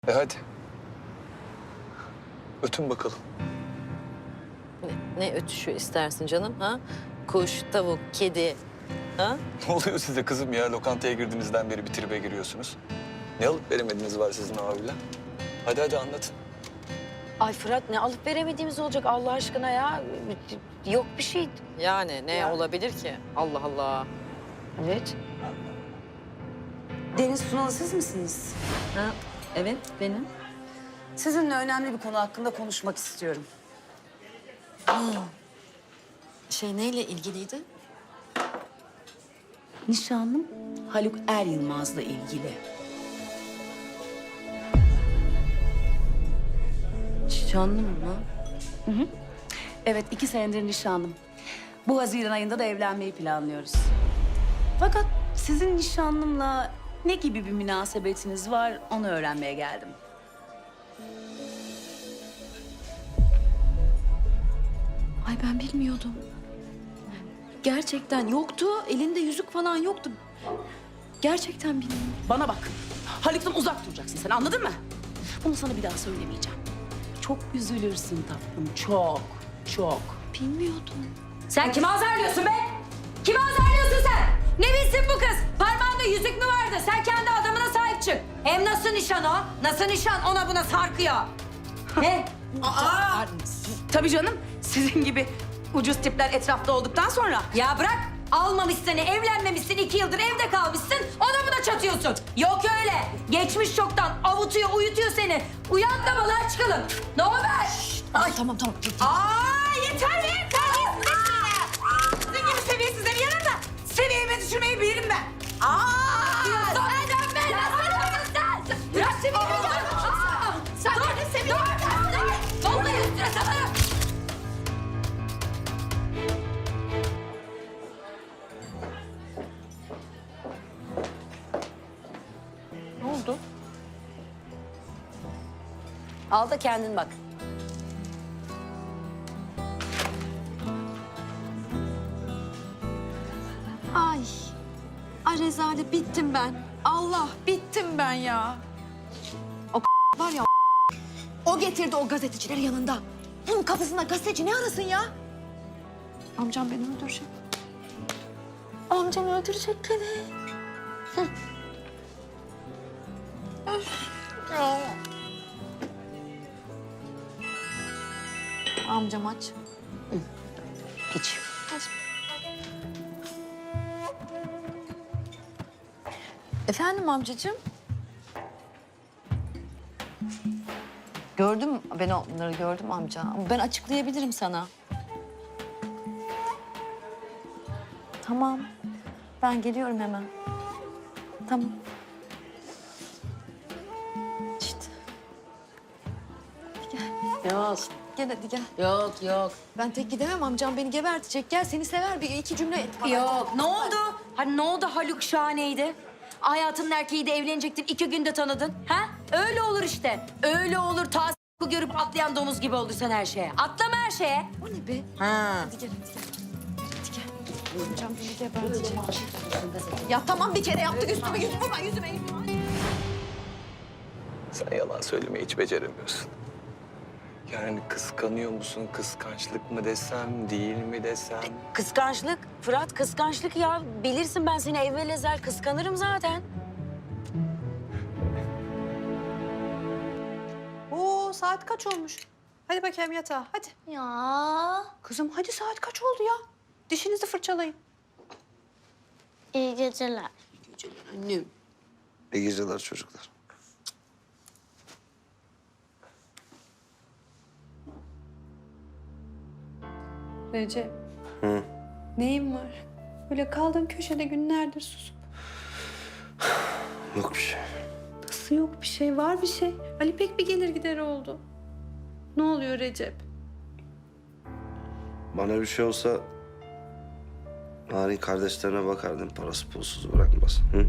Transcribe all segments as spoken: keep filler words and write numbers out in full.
E hadi. Ötün bakalım. Ne, ne ötüşü istersin canım ha? Kuş, tavuk, kedi. Ha? Ne oluyor size kızım ya? Lokantaya girdiğinizden beri bir tribe giriyorsunuz. Ne alıp veremediğiniz var sizin abiyle? Hadi hadi anlatın. Ay Fırat, ne alıp veremediğimiz olacak Allah aşkına ya. Yok bir şey. Yani ne Ya. olabilir ki? Allah Allah. Evet. Deniz Sunalı siz misiniz? Ha? Evet benim. Sizinle önemli bir konu hakkında konuşmak istiyorum. Şey neyle ilgiliydi? Nişanlım Haluk Er Yılmaz'la ilgili. Nişanlım mı? Evet, iki senedir nişanlım. Bu Haziran ayında da evlenmeyi planlıyoruz. Fakat sizin nişanlımla ne gibi bir münasebetiniz var onu öğrenmeye geldim. Ay ben bilmiyordum. Gerçekten yoktu. Elinde yüzük falan yoktu. Gerçekten bilmiyorum. Bana bak, Haluk'tan uzak duracaksın sen, anladın mı? Bunu sana bir daha söylemeyeceğim. Çok üzülürsün tatlım, çok, çok. Bilmiyordum. Sen kimi azarlıyorsun be? Kimi azarlıyorsun sen? Ne bilsin bu kız? Parmağında yüzük mü vardı? Sen kendi adamına sahip çık. Hem nasıl nişan o? Nasıl nişan ona buna sarkıyor? Ne? Aa, tabii canım, sizin gibi ucuz tipler etrafta olduktan sonra. Ya bırak. Almamış seni, evlenmemişsin, iki yıldır evde kalmışsın. Ona buna çatıyorsun. Yok öyle. Geçmiş çoktan avutuyor, uyutuyor seni. Uyan da balığa çıkalım. Ne haber? Ay tamam tamam. Aa yeter be! Sizin gibi seviyesizlerin yanında seviyeme düşürmeyi bilirim ben. Aa! Sen ben sen! Bırak seviyemi ya! Sen de seviyemi dur! Vallahi üstüne sana! Ne oldu? Al da kendin bak. Ay. Ay rezalet bittim ben. Allah bittim ben ya. O var ya o getirdi o gazetecileri yanında. Bunun kafasında gazeteci ne arasın ya? Amcam beni öldürecek. Amcam öldürecek beni. Hı. Öf. Ya. Amcam aç. Hiç. Aç. Efendim amcacığım? Gördüm ben onları gördüm amca. Ama ben açıklayabilirim sana. Tamam. Ben geliyorum hemen. Tamam. İşte. Hadi gel. Yok, Gel hadi gel. yok, yok. Ben tek gidemem amcam beni gebertecek. Gel seni sever bir iki cümle et bana. Yok. Ne oldu? Hani ne oldu Haluk şahaneydi? Hayatının erkeği de evlenecektin, iki günde tanıdın. Ha? Öyle olur işte. Öyle olur. Ta s**ku görüp atlayan domuz gibi olursan her şeye. Atlama her şeye. O ne be? Ha. Hadi gel hadi gel. Hadi gel. Amcam beni gebertecek. Ya tamam bir kere yaptık üstüme yüzüme vurma yüzüme yüzüme. Sen yalan söylemeyi hiç beceremiyorsun. Yani kıskanıyor musun? Kıskançlık mı desem, değil mi desem? Kıskançlık. Fırat kıskançlık ya. Bilirsin ben seni evvel ezel kıskanırım zaten. Oo, saat kaç olmuş? Hadi bakayım yatağa, hadi. Ya Kızım hadi saat kaç oldu ya? Dişinizi fırçalayın. iyi geceler. Annem. İyi geceler çocuklar. Recep. Hı. Neyin var? Böyle kaldığın köşede günlerdir susup. Yok bir şey. Nasıl yok bir şey? Var bir şey. Ali pek bir gelir gider oldu. Ne oluyor Recep? Bana bir şey olsa... Narin kardeşlerine bakardım, parası pulsuz bırakmaz. Hı?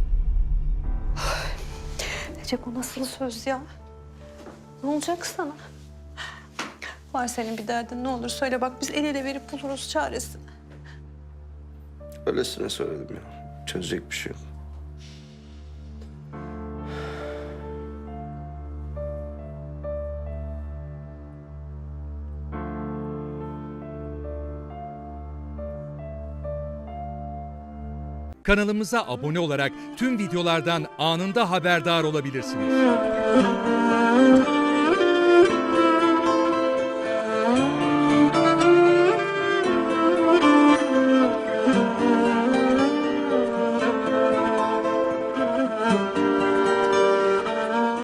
Recep o nasıl söz ya? Ne olacak sana? Var senin bir derdin, ne olur söyle bak biz el ele verip buluruz çaresini. Öylesine söyledim ya. Çözecek bir şey yok. Kanalımıza abone olarak tüm videolardan anında haberdar olabilirsiniz.